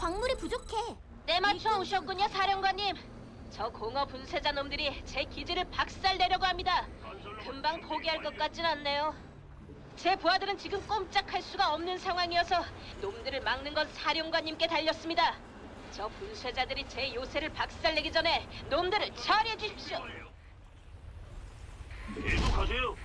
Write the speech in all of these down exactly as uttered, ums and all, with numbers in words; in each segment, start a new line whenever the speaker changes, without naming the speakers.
광물이 부족해.
때맞춰 오셨군요, 사령관님. 저 공허 분쇄자 놈들이 제 기지를 박살내려고 합니다. 금방 포기할 것 같진 않네요. 제 부하들은 지금 꼼짝할 수가 없는 상황이어서 놈들을 막는 건 사령관님께 달렸습니다. 저 분쇄자들이 제 요새를 박살내기 전에 놈들을 처리해 주십시오.
계속하세요.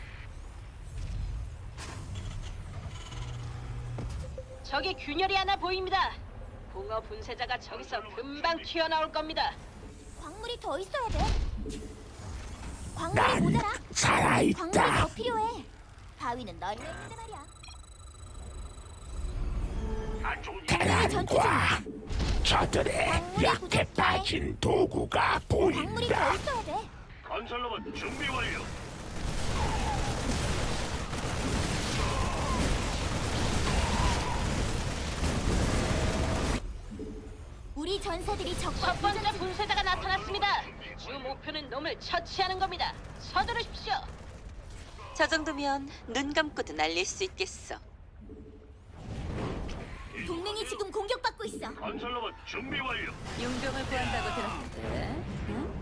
저기 균열이 하나 보입니다. 공허 분쇄자가 저기서 금방 튀어나올 겁니다.
광물이 더 있어야 돼. 광물이
난
모자라. 광물이
살아있다.
더 필요해. 바위는 널려 있는데 말이야.
안 좋은 일.
대란과 저들의
광물이
약해
부족해.
빠진 도구가
광물이
보인다.
더 있어야 돼.
건설로봇 준비 완료.
우리 전사들이 적과
첫 번째 분쇄자가 나타났습니다. 주 목표는 놈을 처치하는 겁니다. 서두르십시오.
저 정도면 눈 감고도 날릴 수 있겠어.
동맹이 지금 공격받고 있어.
건설로봇 준비 완료.
용병을 구한다고 들었는데, 응?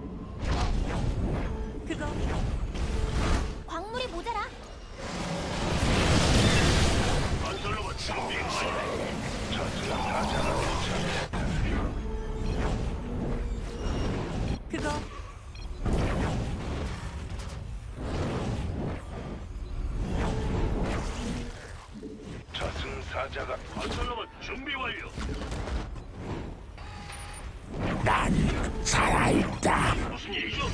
그거
광물이 모자라.
건설로봇 준비 완료. 저승 사자가 도착했다.
그거
저승사자가 건설로봇 준비 완료.
난 살아있다.
무슨 일이죠?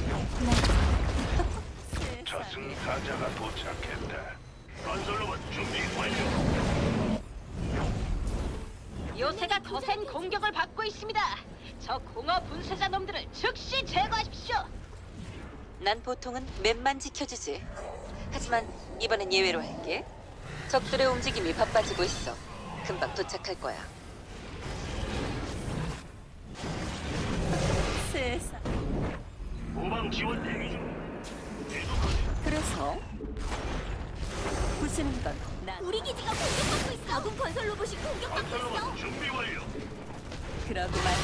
저승사자가 도착했다. 건설로봇 준비 완료.
요새가 거센 공격을 받고 있습니다. 저 공허 분쇄자 놈들을 즉시 제거하십시오.
난 보통은 맵만 지켜주지. 하지만 이번엔 예외로 할게. 적들의 움직임이 바빠지고 있어. 금방 도착할 거야. 세상.
후방 지원 대기 중. 계속하세요.
그래서 부수는 건 난.
우리 기지가 공격받고 있어. 아군 건설 로봇이 공격받고 있어.
건설로봇 준비 완료.
그러고만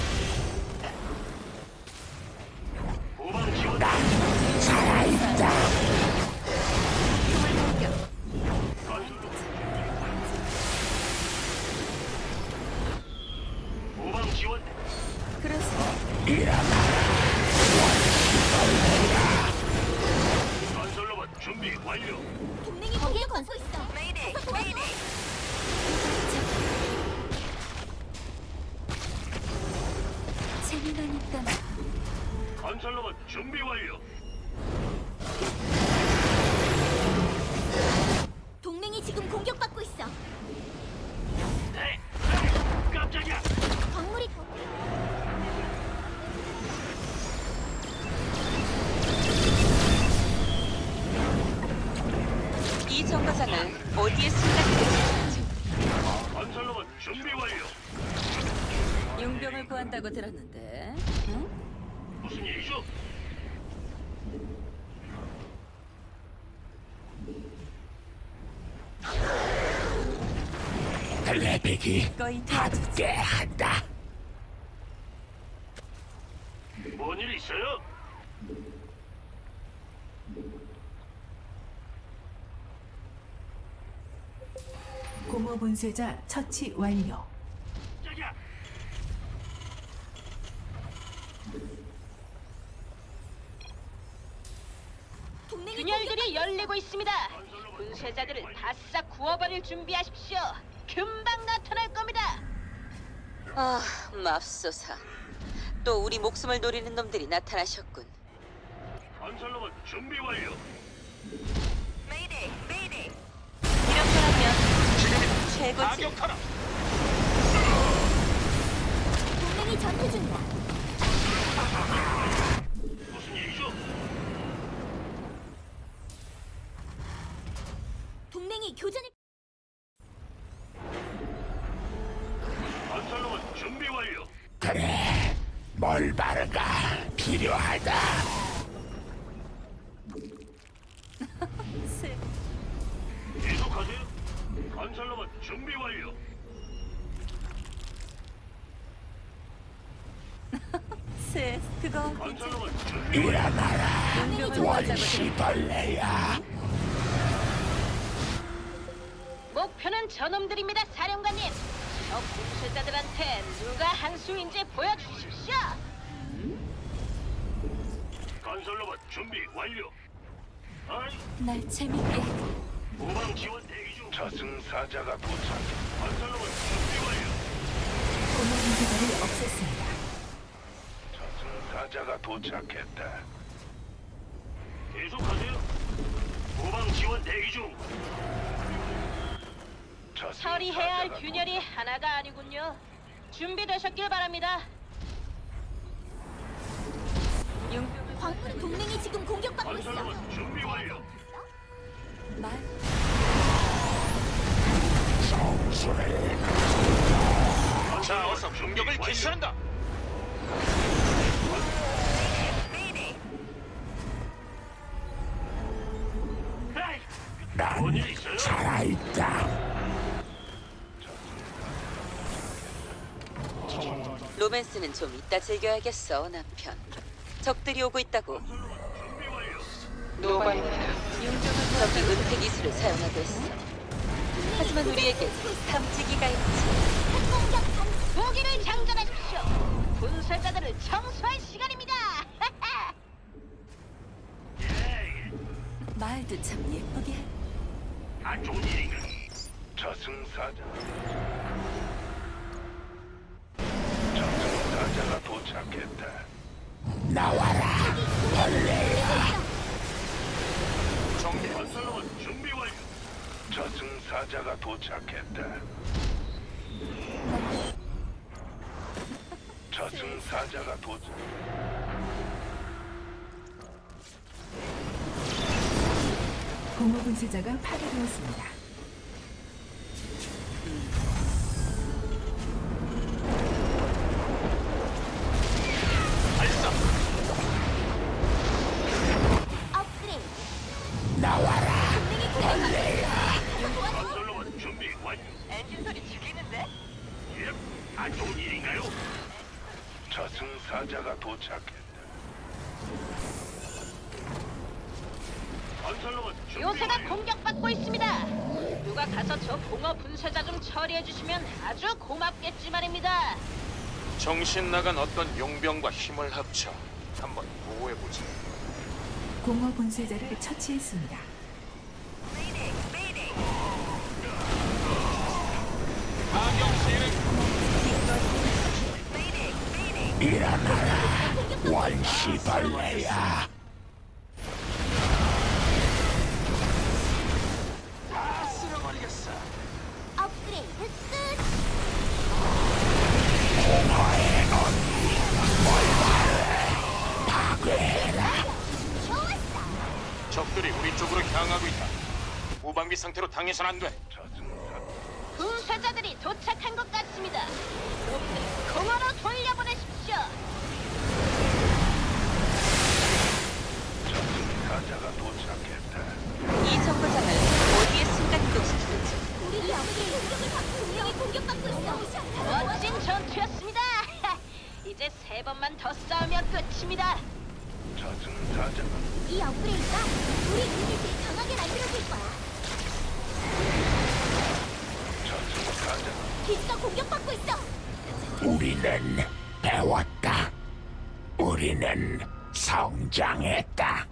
후방 지원.
살아있다.
건설로봇. 후방 지원.
그래서
건설로봇 준비 완료.
동맹이 거기에 건설 있어. 가서 도와줘.
재미난 있다.
건설로봇 준비 완료.
동맹이 지금 공격받고 있어.
네. 깜짝이야.
광물이 더
이 정거장을 어디에 숨겼는지
건설로봇 준비 완료.
용병을 구한다고 들었는데, 응?
무슨 일이죠?
레벨이
거의 다
함께한다.
뭔 일 있어요?
공허 분쇄자 처치 완료.
깜짝이야.
동맹이
균열들이 열리고 있습니다. 분쇄자들을 바싹 구워버릴 준비하십시오. 금방 나타날 겁니다.
아, 맙소사. 또 우리 목숨을 노리는 놈들이 나타나셨군.
건설로봇 준비 완료.
이런 거라면 최고지.
동맹이 전투 중이야.
무슨 일이죠?
동맹이 교전을
건설로봇 준비 완료.
그래, 멀바르가 필요하다.
계속하세요. 건설로봇 준비 완료.
그치, 그거
건설로봇 준비
일어나라
용병을 도와자고
원시벌레야.
목표는 저놈들입니다, 사령관님. 저 분쇄자들한테 누가 한 수인지 보여주십시오.
건설로봇 준비 완료. 아이,
날 재밌게 해.
후방 지원 대기 중. 저승사자가 도착. 건설로봇 준비 완료.
공허 분쇄자를 없앴습니다.
저승사자가 도착했다. 계속하세요. 후방 지원 대기 중.
처리해야 할 균열이 하나가 아니군요. 준비되셨길 바랍니다.
용병을
광물 동맹이 지금 공격받고 있어.
건설로봇 준비 완료.
말
성수를
자, 어서 공격을 개시한다.
난 살아있다.
로맨스는 좀 이따 즐겨야겠어, 남편. 적들이 오고 있다고.
준비 완료.
용병은 저기 은폐 기술을 사용하고 있어. 하지만 우리에게 탐지기가 있지.
공격 감.
무기를 장전하십시오. 분쇄자들을 청소할 시간입니다.
예,
말도 참 예쁘게.
안 좋은 일인가? 저승사자. 저승사자가 도착했다.
나와라 벌레야.
정비 건설로봇 준비 완료. 저승사자가 도착했다. 저승사자가 도착.
공허 분쇄자가 파괴되었습니다.
발사.
업그레이드.
나와라
동맹이 벌레야.
건설로봇 준비 완료.
엔진 소리 죽이는데?
예, 안 좋은 일인가요? 저승사자가 도착했다. 건설로봇 준비
요새가
완료.
공격받고 있습니다. 누가 가서 저 공허 분쇄자 좀 처리해 주시면 아주 고맙겠지 말입니다.
정신 나간 어떤 용병과 힘을 합쳐 한번 보호해보자.
공허 분쇄자를 처치했습니다.
일어나라 원시벌레야.
업그레이드 끝.
공허의 언니 멀바를 파괴해라.
좋았어.
적들이 우리 쪽으로 향하고 있다. 무방비 상태로 당해선 안 돼.
분쇄자들이 도착한 것 같습니다. 놈들 공허로 돌려보내십시오.
저승사자가 도착했다.
이 정거장을 어디에 순간 이동시키는지.
우리 업그레이드 공격을 받고 동맹이 공격받고 있어.
멋진 전투였습니다. 이제 세 번만 더 싸우면 끝입니다.
저승사자가
이 업그레이드가 우리 유닛을 강하게 만들어줄 거야.
저승사자.
기지가 공격받고 있어.
우리는 배웠다. 우리는 성장했다.